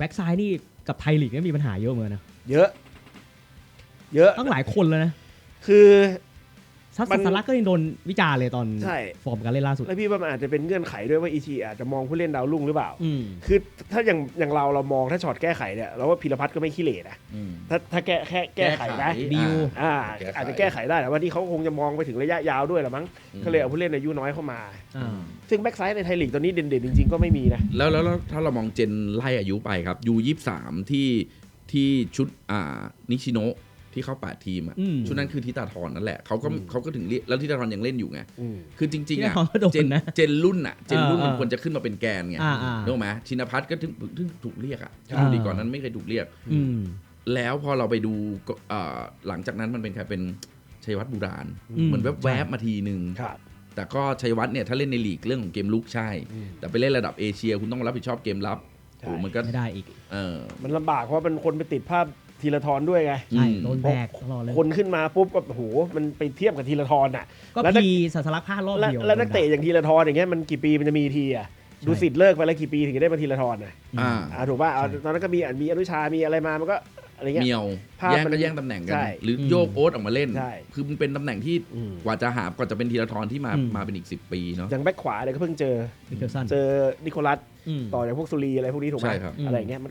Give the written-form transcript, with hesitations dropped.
บ็กซ้ายนี่กับไทยลีกนี่มีปัญหาเยอะเหมือนกันนะเยอะตั้งหลายคนเลยนะคือซัสสลักก็ยังโดนวิจารณ์เลยตอนใช่ฟอร์มการเล่นล่าสุดแล้วพี่ว่ามันอาจจะเป็นเงื่อนไขด้วยว่าอีทีอาจจะมองผู้เล่นดาวรุ่งหรือเปล่า คือถ้าอย่างเรามองถ้าช็อตแก้ไขเนี่ยเราว่าพีรพัฒน์ก็ไม่ขี้เหร่นะถ้าแก้ไขนะดิวอาจจะแก้ไขได้แต่ว่าที่เขาคงจะมองไปถึงระยะยาวด้วยละมั้งก็เลยเอาผู้เล่นอายุน้อยเข้ามา ซึ่งแบ็กซ้ายในไทยลีกตอนนี้เด่นๆจริงๆก็ไม่มีนะแล้วถ้าเรามองเจนไล่อายุไปครับU23ที่ชุดนิชิโนะที่เข้า8ทีมอ่ะชุดนั้นคือทิตาธรนั่นแหละเขาก็ถึงเรียกแล้วทิตาธรยังเล่นอยู่ไงคือจริงๆอ่ะเจนรุ่นมันควรจะขึ้นมาเป็นแกนไงนึกออกไหมชินภัทรก็ถึงถูกเรียกอ่ะดีก่อนนั้นไม่เคยถูกเรียกแล้วพอเราไปดูหลังจากนั้นมันเป็นใครเป็นชัยวัฒน์บุราณเหมือนแวบๆมาทีนึงแต่ก็ชัยวัฒน์เนี่ยถ้าเล่นในลีกเรื่องของเกมลุกใช่แต่ไปเล่นระดับเอเชียคุณต้องรับผิดชอบเกมรับโอ้มันก็ไม่ได้อีกมันลำบากเพราะมันคนไปติดภาพธีรทรด้วยไงใช่โดนแบกตลอดเลยคนขึ้นมาปุ๊บก็โหมันไปเทียบกับธีรทรอ่ะก็พีสัสลักพลาดรอบเดียวแล้วนักเตะอย่างธีรทรอย่างเงี้ยมันกี่ปีมันจะมีทีอ่ะดูสิทธิ์เลิกไปแล้วกี่ปีถึงจะได้มาธีรทรอ่ะถูกป่ะตอนนั้นก็มีอนุชามีอะไรมามันก็อะไรเงี้ยเมียวแย่งตำแหน่งกันหรือโยกโอ๊ตออกมาเล่นคือมันเป็นตำแหน่งที่กว่าจะเป็นธีรทรที่มาเป็นอีก10 ปีเนาะอย่างแบ็คขวาเนี่ยก็เพิ่งเจอนิโคลัสต่อจากพวกสุรีอะไรพวกนี้ถูกไหมอะไรเงี้ย